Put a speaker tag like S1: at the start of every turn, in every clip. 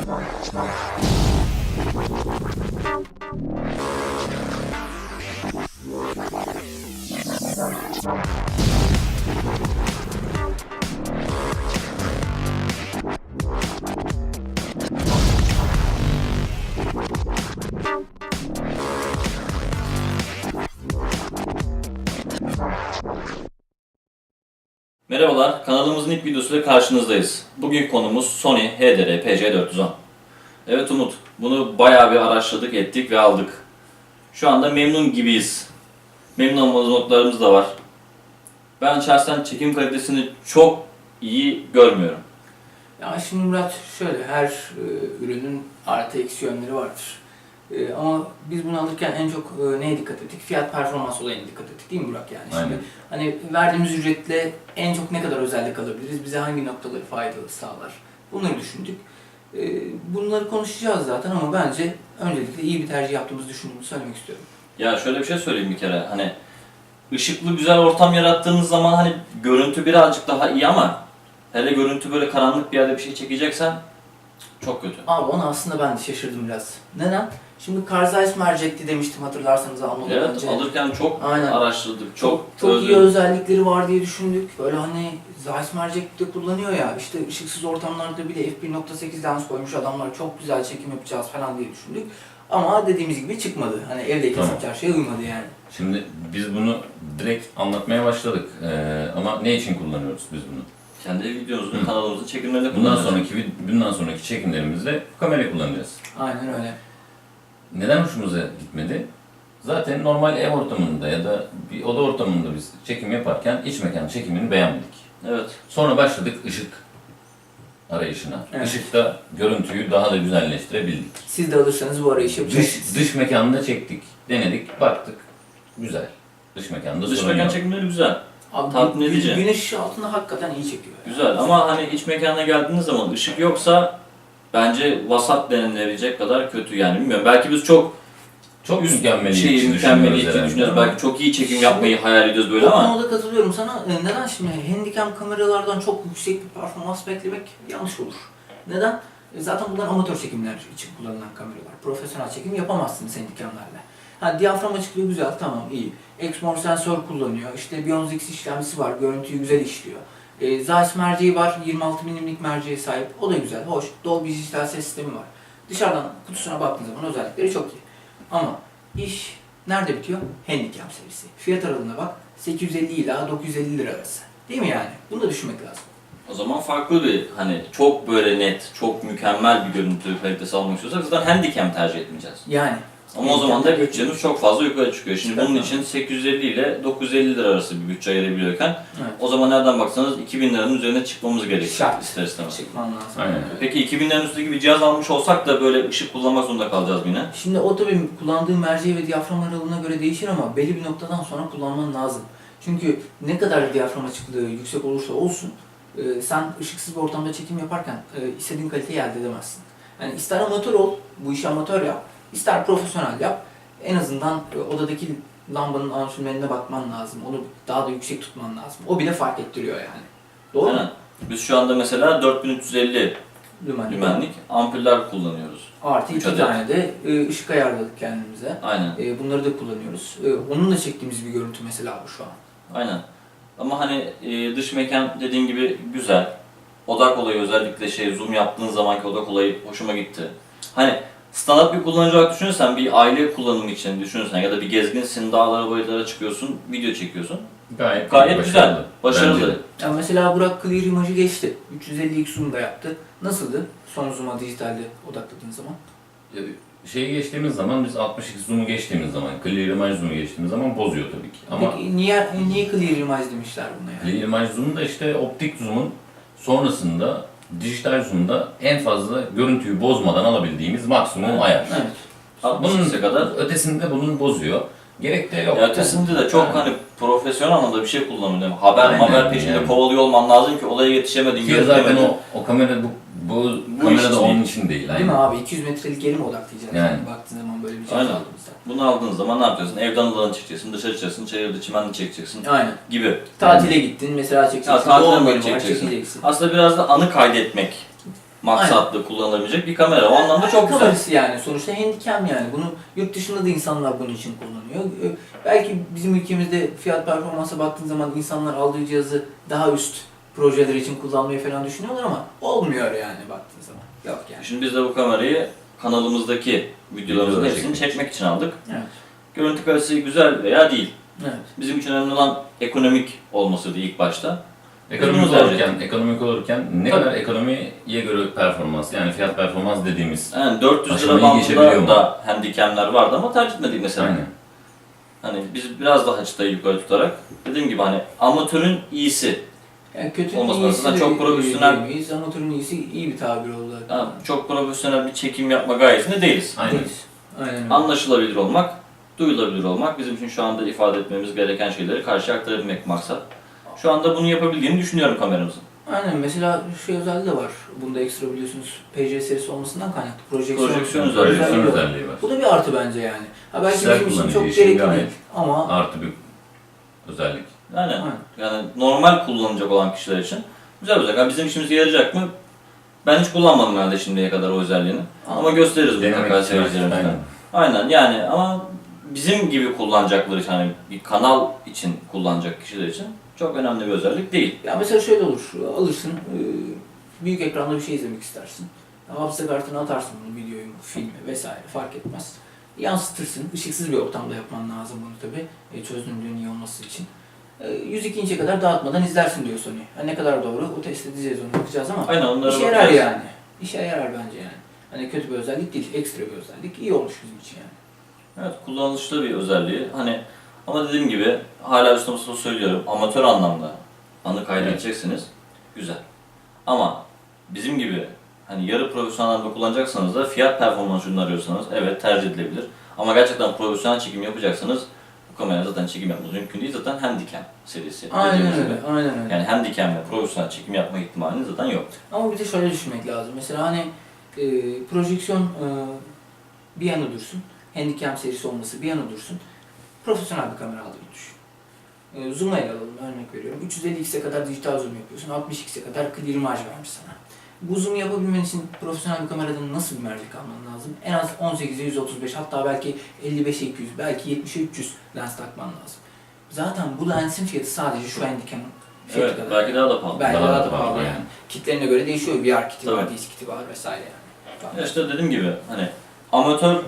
S1: Merhabalar, kanalımızın ilk videosuyla karşınızdayız. Bugün konumuz Sony HDR PC410. Evet Umut, bunu bayağı bir araştırdık, ettik ve aldık. Şu anda memnun gibiyiz. Memnun olmadığımız noktalarımız da var. Ben şahsen çekim kalitesini çok iyi görmüyorum.
S2: Ya şimdi Murat şöyle, her ürünün artı eksi yönleri vardır. Ama biz bunu alırken en çok neye dikkat ettik? Fiyat performans olayına dikkat ettik değil mi Burak yani?
S3: Aynen.
S2: Şimdi hani verdiğimiz ücretle en çok ne kadar özellik alabiliriz? Bize hangi noktaları faydalı sağlar? Bunları düşündük. Bunları konuşacağız zaten ama bence öncelikle iyi bir tercih yaptığımızı düşündüğümü söylemek istiyorum.
S1: Ya şöyle bir şey söyleyeyim bir kere. Hani ışıklı güzel ortam yarattığınız zaman hani görüntü birazcık daha iyi ama hele görüntü böyle karanlık bir yerde bir şey çekeceksen çok kötü.
S2: Abi ona aslında ben de şaşırdım biraz. Neden? Şimdi Carl Zeiss mercekti demiştim hatırlarsanız almadan
S1: Evet,
S2: önce.
S1: alırken çok
S2: Aynen.
S1: araştırdık,
S2: Çok
S1: özledim.
S2: iyi özellikleri var diye düşündük. Böyle hani Zeiss mercek de kullanıyor ya, işte ışıksız ortamlarda bile f1.8 lens koymuş adamlar, çok güzel çekim yapacağız falan diye düşündük. Ama dediğimiz gibi çıkmadı. Hani evdeki
S3: Tamam.
S2: çarşıya uymadı yani.
S3: Şimdi biz bunu direkt anlatmaya başladık. Ama ne için kullanıyoruz biz bunu?
S1: Kendi videomuzun, kanalımızın çekimlerinde kullanıyoruz.
S3: Bundan sonraki çekimlerimizde bu kamerayı kullanacağız.
S2: Aynen öyle.
S3: Neden hoşumuza gitmedi? Zaten normal ev ortamında ya da bir oda ortamında biz çekim yaparken iç mekan çekimini beğenmedik.
S1: Evet.
S3: Sonra başladık ışık arayışına.
S2: Evet.
S3: Işıkta görüntüyü daha da güzelleştirebildik.
S2: Siz de alırsanız bu arayışı yapacaksınız.
S3: Dış mekanda çektik, denedik, baktık. Güzel. Dış mekanda
S1: Dış
S3: sorun
S1: mekan
S3: yok.
S1: çekimleri güzel.
S2: Abi,
S1: tatmin edici.
S2: Güneş ışığı altında hakikaten iyi çekiyor.
S1: Güzel ama hani iç mekana geldiğiniz zaman ışık yoksa bence vasat denilebilecek kadar kötü yani bilmiyorum. Belki biz çok
S3: mükemmeliyetçi
S1: mükemmeliyetçi düşünüyoruz. Belki çok iyi çekim yapmayı hayal ediyoruz böyle
S2: O
S1: ama
S2: konuda katılıyorum sana. Neden şimdi handicam kameralardan çok yüksek bir performans beklemek yanlış olur. Neden? Zaten bunlar amatör çekimler için kullanılan kameralar. Profesyonel çekim yapamazsınız handicamlarla. Ha, diyafram açıklığı güzel, tamam iyi. Exmor sensör kullanıyor. İşte Bionz X işlemcisi var, görüntüyü güzel işliyor. Zeiss merceği var, 26 mm'lik merceğe sahip. O da güzel, hoş. Dolby dijital ses sistemi var. Dışarıdan kutusuna baktığınız zaman özellikleri çok iyi. Ama iş nerede bitiyor? Handicam serisi. Fiyat aralığına bak, 850 ila 950 lira arası. Değil mi yani? Bunu da düşünmek lazım.
S1: o zaman farklı bir hani çok böyle net, çok mükemmel bir görüntü kalitesi almak istiyorsak zaten handicam tercih etmeyeceğiz.
S2: Yani.
S1: Ama o zaman da bütçemiz çok fazla yukarı çıkıyor. Şimdi bunun için 850 ile 950 lira arası bir bütçe ayırabiliyorken
S2: Evet.
S1: o zaman nereden baksanız 2000 liranın üzerine çıkmamız gerekiyor
S2: Şart.
S1: ister istemez.
S2: Çıkman lazım.
S3: Aynen.
S1: Peki 2000 liranın üstündeki bir cihaz almış olsak da böyle ışık kullanmak zorunda kalacağız yine.
S2: Şimdi o tabii kullandığın merceği ve diyafram aralığına göre değişir ama belli bir noktadan sonra kullanman lazım. Çünkü ne kadar diyafram açıklığı yüksek olursa olsun sen ışıksız bir ortamda çekim yaparken istediğin kaliteyi elde edemezsin. Yani ister amatör ol, bu işi amatör yap, ister profesyonel yap. En azından odadaki lambanın ansürmenine bakman lazım. Onu daha da yüksek tutman lazım. O bile fark ettiriyor yani. Doğru mu?
S1: Aynen. Biz şu anda mesela 4350
S2: Lümen.
S1: lümenlik ampuller kullanıyoruz.
S2: Artı
S1: Üç
S2: 2
S1: adet.
S2: tane de ışık ayarladık kendimize.
S1: Aynen.
S2: Bunları da kullanıyoruz. Onunla çektiğimiz bir görüntü mesela bu şu an.
S1: Aynen. Ama hani dış mekan dediğin gibi güzel. Odak olayı özellikle zoom yaptığın zamanki odak olayı hoşuma gitti. Hani standart bir kullanıcı olarak düşünürsen, bir aile kullanımı için düşünürsen ya da bir gezginsin, dağlara bayırlara çıkıyorsun, video çekiyorsun.
S3: Gayet
S1: Güzel, başarılı.
S3: Bence de.
S2: Ya mesela Burak Clear imajı geçti. 350x zoom da yaptı. Nasıldı son zoom'a dijitalde odakladığın zaman?
S3: Şeyi geçtiğimiz zaman, biz 62 zoom'u geçtiğimiz zaman, clear image zoom'u geçtiğimiz zaman bozuyor tabii ki. Ama
S2: Peki niye Clear imaj demişler buna yani?
S3: clear image zoom da işte optik zoom'un sonrasında, dijital zoom'da en fazla görüntüyü bozmadan alabildiğimiz maksimum ayar.
S2: Evet.
S3: Bunun
S1: 60'a kadar.
S3: ötesinde bunun bozuyor. Gerek de yok.
S1: Ya ötesinde de çok hani profesyonel anlamda bir şey kullanıyor. Haber
S3: Aynen,
S1: peşinde
S3: yani.
S1: kovalıyor olman lazım ki olaya yetişemedin,
S3: Ki zaten
S1: görüntülemedin.
S3: o kamera bu
S1: Bu
S3: kamera
S1: iş
S3: da onun
S1: değil.
S3: için değil.
S2: Değil mi abi? 200 metrelik yeri mi odaklayacağız?
S3: Yani.
S2: Yani baktığın zaman böyle bir şey
S1: Aynen.
S2: aldığımızda.
S1: Bunu aldığın zaman ne yapacaksın? Evden alanı çekeceksin, dışarı çıkacaksın, çayırda çimenli çekeceksin
S2: Aynen.
S1: gibi.
S2: Tatile gittin mesela çekeceksin.
S1: tatile
S2: Doğum
S1: mi
S2: günü var,
S1: çekeceksin?
S2: çekeceksin.
S1: Aslında biraz da anı kaydetmek maksatlı kullanılabilecek bir kamera. O anlamda çok güzel.
S2: Kamerası yani sonuçta handicam yani. Bunu yurt dışında da insanlar bunun için kullanıyor. Belki bizim ülkemizde fiyat performansa baktığın zaman insanlar aldığı cihazı daha üst projeler için kullanmayı falan düşünüyorlar ama olmuyor yani baktığın zaman. Yok yani.
S1: Şimdi biz de bu kamerayı kanalımızdaki videolarımızın
S3: Videoları
S1: hepsini
S3: çekmek
S1: çekmek için aldık.
S2: Evet.
S1: Görüntü kalitesi güzel veya değil.
S2: Evet.
S1: Bizim için önemli olan ekonomik olmasıydı ilk başta.
S3: Ekonomik olurken ne
S1: Tabii.
S3: kadar ekonomiye göre performans, yani fiyat performans dediğimiz.
S1: Yani 400 lira
S3: Aşamayı geçebiliyor
S1: bandında
S3: mu?
S1: da handicamler vardı ama tercih etmedik mesela.
S3: Aynen.
S1: Hani biz biraz daha çıtayı yukarı tutarak dediğim gibi hani amatörün iyisi.
S2: Yani kötünün
S1: Olması
S2: iyisi
S1: lazım.
S2: de
S1: Çok profesyonel-
S2: diyemeyiz. Amatörün iyisi iyi bir tabir oldu.
S1: Yani çok profesyonel bir çekim yapma gayesinde değiliz.
S3: Aynen.
S2: Değiliz. Aynen öyle.
S1: Anlaşılabilir olmak, duyulabilir olmak bizim için şu anda ifade etmemiz gereken şeyleri karşıya aktarabilmek maksat. Şu anda bunu yapabildiğini düşünüyorum kameramızın.
S2: Aynen mesela şey özelliği de var. Bunda ekstra biliyorsunuz PC serisi olmasından kaynaklı.
S1: Projeksiyon
S2: özelliği
S3: Projeksiyon
S2: var.
S3: özelliği var.
S2: Bu da bir artı bence yani. Ha belki
S3: Kişisel
S2: bizim için
S3: kullanıcı
S2: çok
S3: için
S2: gerekli
S3: gayet
S2: değil ama
S3: Artı bir özellik.
S1: Yani,
S2: Aynen.
S1: yani normal kullanacak olan kişiler için güzel olacak. Yani bizim işimize yarayacak mı? Ben hiç kullanmadım herhalde şimdiye kadar o özelliğini. Ama gösteririz mutlaka
S3: Denemek için.
S1: seyircilerimize.
S3: Aynen.
S1: Aynen yani ama bizim gibi kullanacakları için hani bir kanal için kullanacak kişiler için çok önemli bir özellik değil.
S2: ya mesela şöyle olur. Alırsın büyük ekranda bir şey izlemek istersin. Hafıza kartına atarsın bunu, videoyu, filmi vesaire fark etmez. Yansıtırsın. Işıksız bir ortamda yapman lazım bunu tabi. Çözünürlüğün iyi olması için. 102 inçe kadar dağıtmadan izlersin diyor Sony. Ne kadar doğru o test edeceğiz, onu bakacağız ama
S1: Aynen onlara
S2: işe yarar
S1: bakacağız.
S2: yani. İşe yarar bence yani. Hani kötü bir özellik değil, ekstra bir özellik. İyi olmuş bizim için yani.
S1: Evet, kullanışlı bir özelliği. Hani ama dediğim gibi hala üstüne basılı söylüyorum. Amatör anlamda anı kaydedeceksiniz. Güzel. Ama bizim gibi hani yarı profesyonel anlamda kullanacaksanız da fiyat performans ürünü arıyorsanız evet tercih edilebilir. Ama gerçekten profesyonel çekim yapacaksanız bu kamera zaten çekim yapmanız mümkün değil. Zaten Handycam serisi.
S2: Aynen
S1: dediğimiz
S2: öyle,
S1: gibi.
S2: aynen öyle.
S1: Yani Handycam ve profesyonel çekim yapma ihtimaliniz zaten yok.
S2: Ama bir de şöyle düşünmek lazım. Mesela hani projeksiyon bir yana dursun. Handicam serisi olması bir yana dursun. Profesyonel bir kamera aldığını düşün. Zoom'la ele alalım, örnek veriyorum. 350x'e kadar dijital zoom yapıyorsun. 60x'e kadar clear imaj vermiş sana. Bu zoom'u yapabilmen için profesyonel bir kameradan nasıl bir mercek alman lazım? En az 18'e 135, hatta belki 55'e 200, belki 70'e 300 lens takman lazım. Zaten bu lensin fiyatı sadece şu Handycam'ın fiyatı
S1: Evet,
S2: kadar.
S1: belki daha da pahalı.
S2: Belki
S3: Daha
S2: daha
S3: da
S2: da
S3: pahalı
S2: pahalı
S3: yani.
S2: yani. Kitlerine göre değişiyor. VR kiti var,
S1: Tabii.
S2: disk kiti var vesaire yani.
S1: Ya işte dediğim gibi hani amatör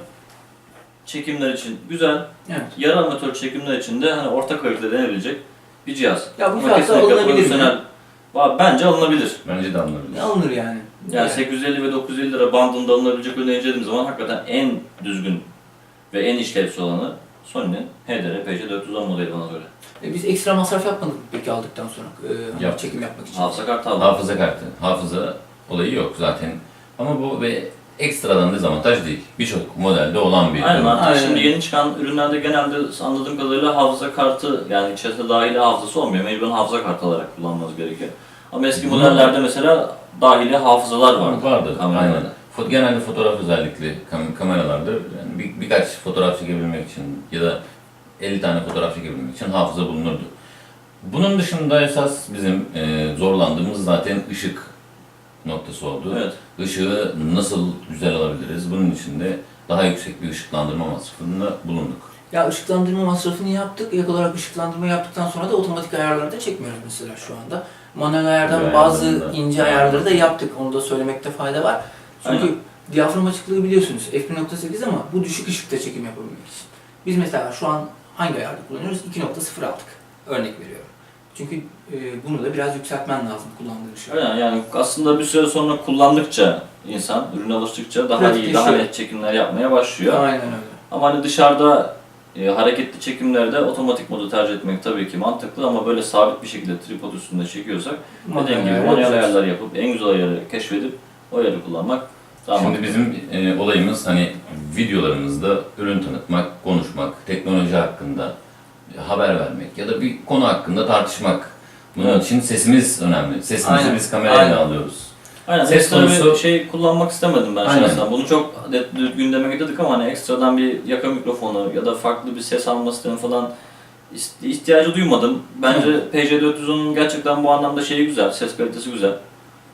S1: çekimler için güzel,
S2: Evet.
S1: yarı amatör çekimler için de hani orta kalite denebilecek bir cihaz.
S2: Ya bu
S1: Ama
S2: fiyatla
S1: kesinlikle
S2: alınabilir mi?
S1: profesyonel. Bence alınabilir.
S3: Bence de anlarız.
S2: Ne alınır yani?
S1: Yani 850 ve 950 lira bandında alınabilecek ürünü incelediğim zaman hakikaten en düzgün ve en işlevsel olanı Sony'nin HDR PC410 modeli bana göre.
S2: Biz ekstra masraf yapmadık mı peki aldıktan sonra
S3: Yaptık.
S2: çekim yapmak için?
S1: Hafıza kartı aldım.
S3: Hafıza kartı. Hafıza olayı yok zaten. Ama bu ve ekstradan dezavantaj değil. Birçok modelde olan bir
S1: Aynen
S3: ürün.
S1: artık
S2: Aynen.
S1: şimdi yeni çıkan ürünlerde genelde anladığım kadarıyla hafıza kartı yani içerisinde dahili hafızası olmuyor. Mecburen hafıza kartı olarak kullanmanız gerekiyor. Ama eski
S3: Bunun-
S1: modellerde mesela dahili hafızalar vardı.
S3: Vardı.
S1: kameralarda.
S3: Aynen. Genelde fotoğraf özellikli kameralarda yani birkaç fotoğraf çekebilmek için ya da 50 tane fotoğraf çekebilmek için hafıza bulunurdu. Bunun dışında esas bizim zorlandığımız zaten ışık noktası oldu.
S1: Evet.
S3: Işığı nasıl güzel alabiliriz? Bunun için de daha yüksek bir ışıklandırma masrafında bulunduk.
S2: Ya ışıklandırma masrafını yaptık. İlk olarak ışıklandırma yaptıktan sonra da otomatik ayarları da çekmiyoruz mesela şu anda. Manuel ayardan
S3: Manuel
S2: bazı
S3: ayarlarında.
S2: ince ayarları da yaptık. Onu da söylemekte fayda var. Çünkü
S1: Aynen.
S2: diyafram açıklığı biliyorsunuz f1.8 ama bu düşük ışıkta çekim yapabilmek için. Biz mesela şu an hangi ayarda kullanıyoruz? 2.0 aldık. Örnek veriyorum. Çünkü bunu da biraz yükseltmen lazım kullandığın ışığı.
S1: Aynen yani aslında bir süre sonra kullandıkça insan ürüne alıştıkça daha iyi,
S2: Pratikleşiyor.
S1: daha net çekimler yapmaya başlıyor.
S2: Aynen öyle.
S1: Ama hani dışarıda hareketli çekimlerde otomatik modu tercih etmek tabii ki mantıklı ama böyle sabit bir şekilde tripod üstünde çekiyorsak dediğim gibi manuel ayarlar yapıp en güzel ayarı keşfedip o ayarı kullanmak daha
S3: Şimdi
S1: mantıklı.
S3: bizim olayımız hani videolarımızda ürün tanıtmak, konuşmak, teknoloji hakkında haber vermek ya da bir konu hakkında tartışmak. Bunun
S1: Evet.
S3: için sesimiz önemli. Sesimizi
S2: Aynen.
S3: biz kamerayla
S2: Aynen.
S3: alıyoruz.
S1: Aynen
S3: Ses
S1: ekstra
S3: konusu-
S1: bir şey kullanmak istemedim ben
S3: Aynen.
S1: şahsen. Bunu çok gündeme getirdik ama hani ekstradan bir yaka mikrofonu ya da farklı bir ses alma sistemi falan ihtiyacı duymadım. Bence PC410'un gerçekten bu anlamda şeyi güzel, ses kalitesi güzel.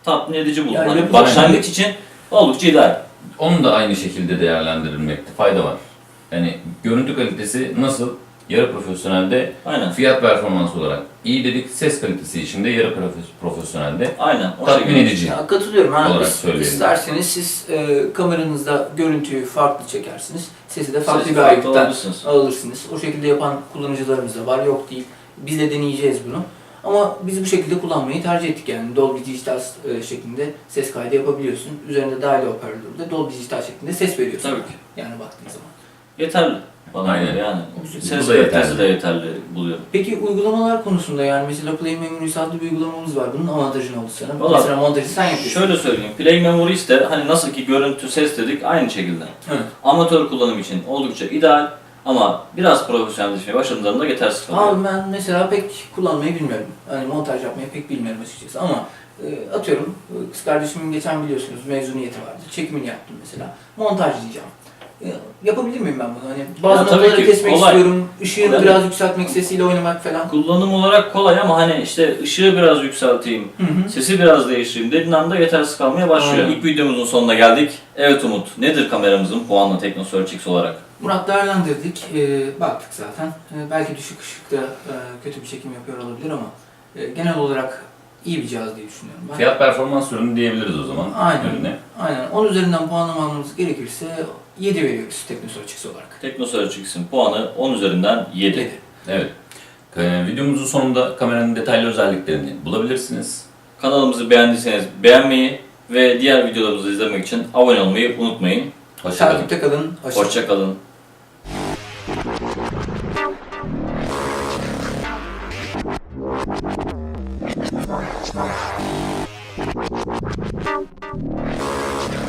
S1: tatmin edici buldum.
S2: Ya,
S1: Hani
S2: yapacak
S1: başlangıç için oldukça ideal.
S3: Onun da aynı şekilde değerlendirilmekte fayda var. Yani görüntü kalitesi nasıl? Yarı profesyonelde
S1: Aynen.
S3: fiyat performans olarak iyi dedik. Ses kalitesi için de yarı profesyonelde
S1: Aynen. O
S3: tatmin
S1: şekilde.
S3: edici.
S2: Ya, katılıyorum.
S3: olarak söyleyelim.
S2: İsterseniz siz kameranızda görüntüyü farklı çekersiniz. Sesi de farklı
S1: Sesi
S2: bir
S1: farklı
S2: ayıktan
S1: alırsınız.
S2: alırsınız. O şekilde yapan kullanıcılarımız da var. Yok değil. Biz de deneyeceğiz bunu. Ama biz bu şekilde kullanmayı tercih ettik yani. Dolby Digital şeklinde ses kaydı yapabiliyorsun. Üzerinde dahili hoparlörde Dolby Digital şeklinde ses veriyorsun.
S1: Tabii ki.
S2: Yani baktığın zaman.
S1: Yeterli. Bana
S3: Aynen.
S1: göre yani.
S2: Güzel.
S1: Ses
S3: Bu da
S1: kalitesi
S3: yeterli.
S1: de yeterli buluyorum.
S2: Peki uygulamalar konusunda yani mesela Play Memories adlı bir uygulamamız var. Bunun avantajı ne oldu sana?
S1: Vallahi
S2: Mesela montajı sen yapıyorsun.
S1: Şöyle söyleyeyim. Play Memories de hani nasıl ki görüntü, ses dedik aynı şekilde.
S2: Evet.
S1: Amatör kullanım için oldukça ideal ama biraz profesyonelleşmeye başladığında yetersiz kalıyor.
S2: Abi ben mesela pek kullanmayı bilmiyorum. Hani montaj yapmayı pek bilmiyorum açıkçası ama atıyorum kız kardeşimin geçen biliyorsunuz mezuniyeti vardı. Çekimini yaptım mesela. Montaj diyeceğim. Yapabilir miyim ben bunu? Hani bazı
S1: Ya tabii
S2: noktaları
S1: ki,
S2: kesmek
S1: kolay.
S2: istiyorum. Işığını
S1: Kolay.
S2: biraz yükseltmek, sesiyle oynamak falan.
S1: Kullanım olarak kolay ama hani işte ışığı biraz yükselteyim,
S2: Hı hı.
S1: sesi biraz değiştireyim dediğin anda yetersiz kalmaya başlıyor.
S2: Aynen.
S1: İlk videomuzun sonuna geldik. Evet Umut, nedir kameramızın puanla TeknoSearch X olarak?
S2: Murat değerlendirdik. Baktık zaten. Belki düşük ışıkta kötü bir çekim yapıyor olabilir ama genel olarak iyi bir cihaz diye düşünüyorum ben.
S3: Fiyat performans ürünü diyebiliriz o zaman
S2: Aynen.
S3: ürüne.
S2: Aynen. 10 üzerinden puanlamamız gerekirse 7 veriyoruz TeknoSearch X olarak.
S1: TeknoSearch X'in puanı 10 üzerinden 7.
S2: 7.
S3: Evet. Videomuzun sonunda kameranın detaylı özelliklerini bulabilirsiniz.
S1: Kanalımızı beğendiyseniz beğenmeyi ve diğer videolarımızı izlemek için abone olmayı unutmayın.
S3: Hoşçakalın.
S2: Takipte kalın.
S1: Hoşça kalın.
S4: Thank you.